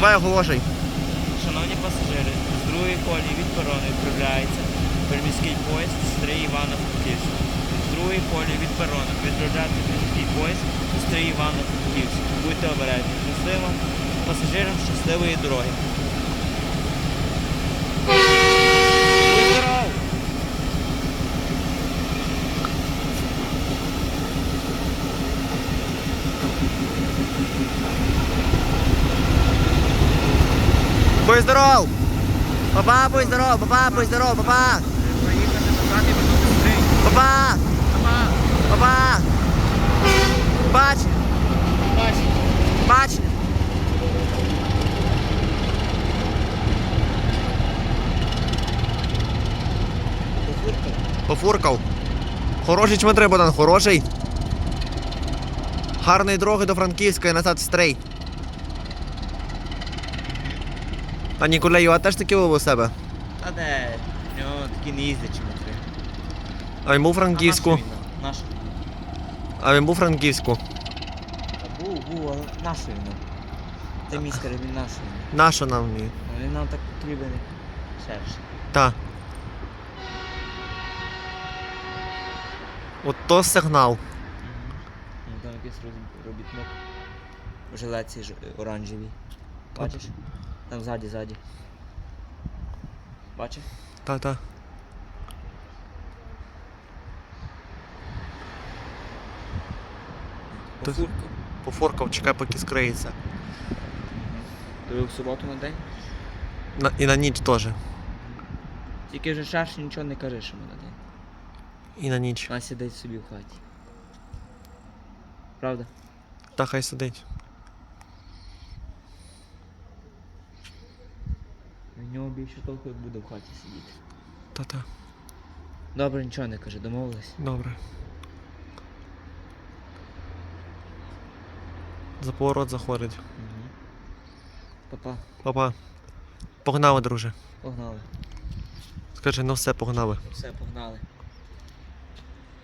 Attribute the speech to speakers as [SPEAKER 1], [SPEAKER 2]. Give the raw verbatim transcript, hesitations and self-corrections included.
[SPEAKER 1] Давай оголошуй.
[SPEAKER 2] Шановні пасажири, з другої колії від перону відправляється приміський поїзд Стрий Івано-Франківськ. З другої колії від перону відправляється приміський поїзд Стрий Івано-Франківськ. Будьте обережні. Щасливо. Пасажирам щасливої дороги. Будь здоров!
[SPEAKER 1] Будь здоров! Папа, будь здоров, папа, будь здоров, папа! Папа! Папа! Бач!
[SPEAKER 2] Бач!
[SPEAKER 1] Бач! Пофуркав. Хороший чмитри, Богдан, хороший. Гарної дороги до Франківська і назад в Стрий. А Ніколею, а теж такі у себе?
[SPEAKER 2] Та де? У нього такі не їздять чмотри.
[SPEAKER 1] А він був у Франківську.
[SPEAKER 2] Нашу.
[SPEAKER 1] А він був у Франківську.
[SPEAKER 2] Та був, був, але нашу йому. Це містер, він нашу йому.
[SPEAKER 1] Нащо нам ні?
[SPEAKER 2] Він нам так потрібен. Шерше.
[SPEAKER 1] Та. От то сигнал.
[SPEAKER 2] Ну, там якийсь роз- робітник. У жилетці ж оранжевій. Бачиш? Там ззаді, ззаді. Бачиш?
[SPEAKER 1] Та-та.
[SPEAKER 2] Пофуркав.
[SPEAKER 1] Пофоркав, чекай, поки скриється.
[SPEAKER 2] Тобі в суботу на день?
[SPEAKER 1] На, і на ніч теж.
[SPEAKER 2] Тільки вже шарш нічого не кажи, що ми на день.
[SPEAKER 1] І на ніч.
[SPEAKER 2] Вона сидить собі в хаті. Правда?
[SPEAKER 1] Та хай сидить.
[SPEAKER 2] В нього більше толку, як буде в хаті сидіти.
[SPEAKER 1] Та-та.
[SPEAKER 2] Добре, нічого не каже, домовились.
[SPEAKER 1] Добре. За поворот заходить.
[SPEAKER 2] Угу. Папа,
[SPEAKER 1] Папа. Погнали, друже.
[SPEAKER 2] погнали.
[SPEAKER 1] Скажи, ну все, погнали.
[SPEAKER 2] Все, погнали.